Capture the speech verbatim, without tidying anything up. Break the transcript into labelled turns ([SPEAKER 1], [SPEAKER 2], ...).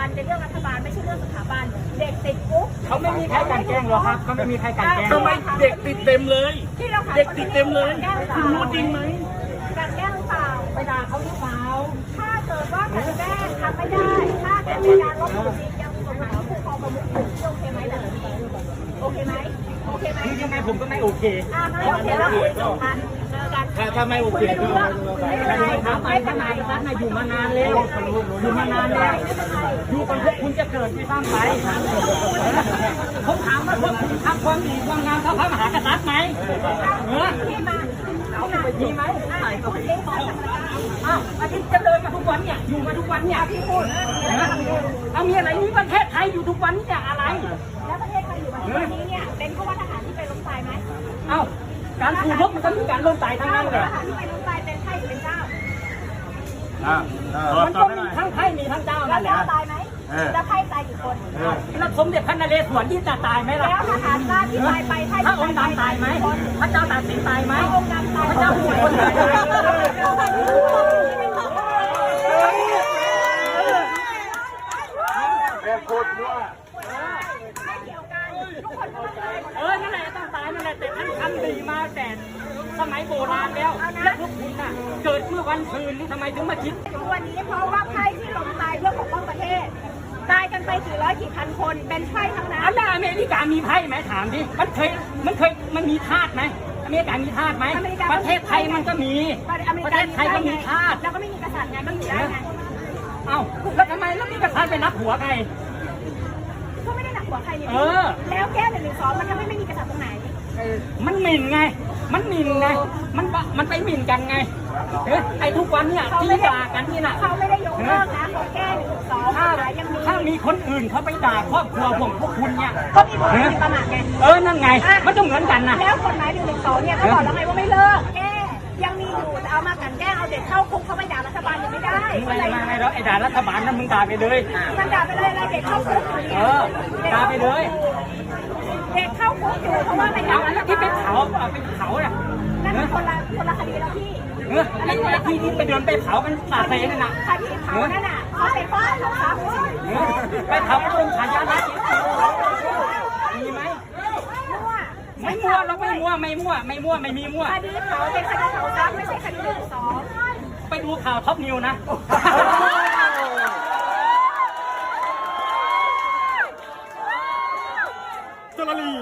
[SPEAKER 1] กันในเรื่องรัฐบาลไม่ใช่เรื่องสถาบันเด็กติดคุก
[SPEAKER 2] เขาไม่มีใครกันแกล้งหรอกครับเขาไม่มีใครกันแกล้ง
[SPEAKER 3] ทำไมเด็กติดเต็มเลยเด็กติดเต็มเลยคุณรู้จริงไหม
[SPEAKER 1] การแกล้งหรือเปล่า
[SPEAKER 2] ไปด่าเขาหรือเปล่า
[SPEAKER 1] ถ้าเกิดว่าการแกล้งทำไม่ได้ถ้าเกิดมีการลบหลู่จริงยังมีกฎหมายคุ้มครองประมุขโอเคไหมแบบนี้โอเคไหมโอเคไหม
[SPEAKER 2] คือยังไงผมก็ไม่โอเค
[SPEAKER 1] อ่าไม่โอเคแล้วคุยจบกันเจอกัน
[SPEAKER 3] ถ้าถ้าไม่โอเคก็
[SPEAKER 1] ไม่เป็นไร
[SPEAKER 2] ไม่เป็นไรท่านอยู่มานานแล้วอยู่มานานแล้วอยู่กันพวกคุณจะเกิดไม่สร้างไปผมถามว่าพวกคุณทำความดีความงามเท่าพระมหากษัตริย์ไหมเออ
[SPEAKER 1] ที่มา
[SPEAKER 2] เอาไปดีไหมอ้าวอาทิตย์จะเดินมาทุกวันเนี่ยอยู่มาทุกวันเนี่ยพี่พูดเอามีอะไรนี่ประเทศไทยอยู่ทุกวันนี่อะไร
[SPEAKER 1] แล้วประเทศไทยอยู่แบบนี้เนี่ยเป็นเพราะว่าทหารที่ไปล้มตายไหม
[SPEAKER 2] เอ้าการสู้รบมันก็มีการล้มตายทั้งนั้นเลย
[SPEAKER 1] ทหารที่ไปล้มตายเป็นไพ่หรือเป็นเจ้า
[SPEAKER 2] มันก็มีทั้งไพ่มีทั้งเจ้านั่นแหละ
[SPEAKER 1] ตายไหมแล้วไพ่ตายกี่คน
[SPEAKER 2] แล้วสมเด็จพระนเรศวรที่จะตายไหมล่ะ
[SPEAKER 1] แล้วทหารราชที่ตายไปไพ่
[SPEAKER 2] พระองค์ดำตายไหมพระเจ้าตากสินตายไหม
[SPEAKER 1] พระองค์ดำตาย
[SPEAKER 2] พระเจ้าผู้คนตาย
[SPEAKER 3] แม่พูดว่า
[SPEAKER 2] เออนั่นแหละต้องตายนั่นแหละแต่ท่านทำดีมาแต่สมัยโบราณแล้วแล้วพวกคุณน่ะเกิดเมื่อวันคืนนี่ทำไมถึงมาคิด
[SPEAKER 1] วันนี้เพราะว่าไพ่ที่ล้มตายเพื่อปกป้องประเทศตายกันไปกี่ร้อยกี่พันคนเป็นไพ่ทั้งนั้น
[SPEAKER 2] แล้วอเมริกามีไพ่ไหมถามดิมันเคยมันเคยมันมีทาสไหมอเมริกามีทาสไหมประเทศไทยมันก็มีประเทศไทยก็มีทาส
[SPEAKER 1] แล้วก็ไม่มีกษัตริย์ไงก็อยู่ได้ไง
[SPEAKER 2] เอ้าแล้วทำไมแล้วมีกษัตริย์ไปนับหัวใคร
[SPEAKER 1] ก็ไม่ได้หนักหัวใครนี่แล้วแก้หนึ่งหนึ่งสองมันทำให้ไม่มีกษัตริย์ตรงไหน
[SPEAKER 2] มันหมิ่นไงมันหมิ่นไงมันมันไปหมิ่นกันไงไอ้ทุกวันเนี่ยที่ด่ากันนี่นะ
[SPEAKER 1] เขาไม่ได้ยกเลิกนะเขาแก้หนึ่งสองถ้ายังมี
[SPEAKER 2] ถ้ามีคนอื่นเขาไปด่าครอบครัวผมพวกคุณเนี่ย
[SPEAKER 1] ก็มีคนมีประมาทไง
[SPEAKER 2] เออนั่นไงมันต้องเหมือนกันนะ
[SPEAKER 1] แล้วกฎหมายหนึ่งหนึ่งสองเนี่ยก็บอกแล้วไงว่าไม่เลิกแก้ยังมีอยู่แต่เอามากันแก้เอาเด็กเข้าคุกเขาไปด่ารัฐบาลยังไม่ได้
[SPEAKER 2] อะไรไม่แล้วไอ้ด่ารัฐบาลนั้นมึงด่าไปเลย
[SPEAKER 1] มันด่าไปเลยอะไรเด็กเข้าคุก
[SPEAKER 2] เออด่าไปเลย
[SPEAKER 1] เด็กเข้าคุกอยู่เพราะว่าไปด่า
[SPEAKER 2] แล้วที่ไปเผาเอาไปเผาน่ะ
[SPEAKER 1] นั่นเป็นคนละคนละคดีแล้วพี่
[SPEAKER 2] เออไอ้ที่ที่ไปเดินไปเผากันสาเซนั่นน่ะ
[SPEAKER 1] คดีเผานั่นน่ะเขาไปฟาดเขาครับ
[SPEAKER 2] ไปเผาโดนฉายาลักษณ์มีไหมไม่มั่วเราไม่มั่วไม่มั่วไม่มั่วไม่มีมั่ว
[SPEAKER 1] คดีเผาเป็นคดีเผาทรัพย์ไม่ใช่คดีหนึ่งสอง
[SPEAKER 2] ไปดูข่าวท็อปนิวนะ
[SPEAKER 3] จลลี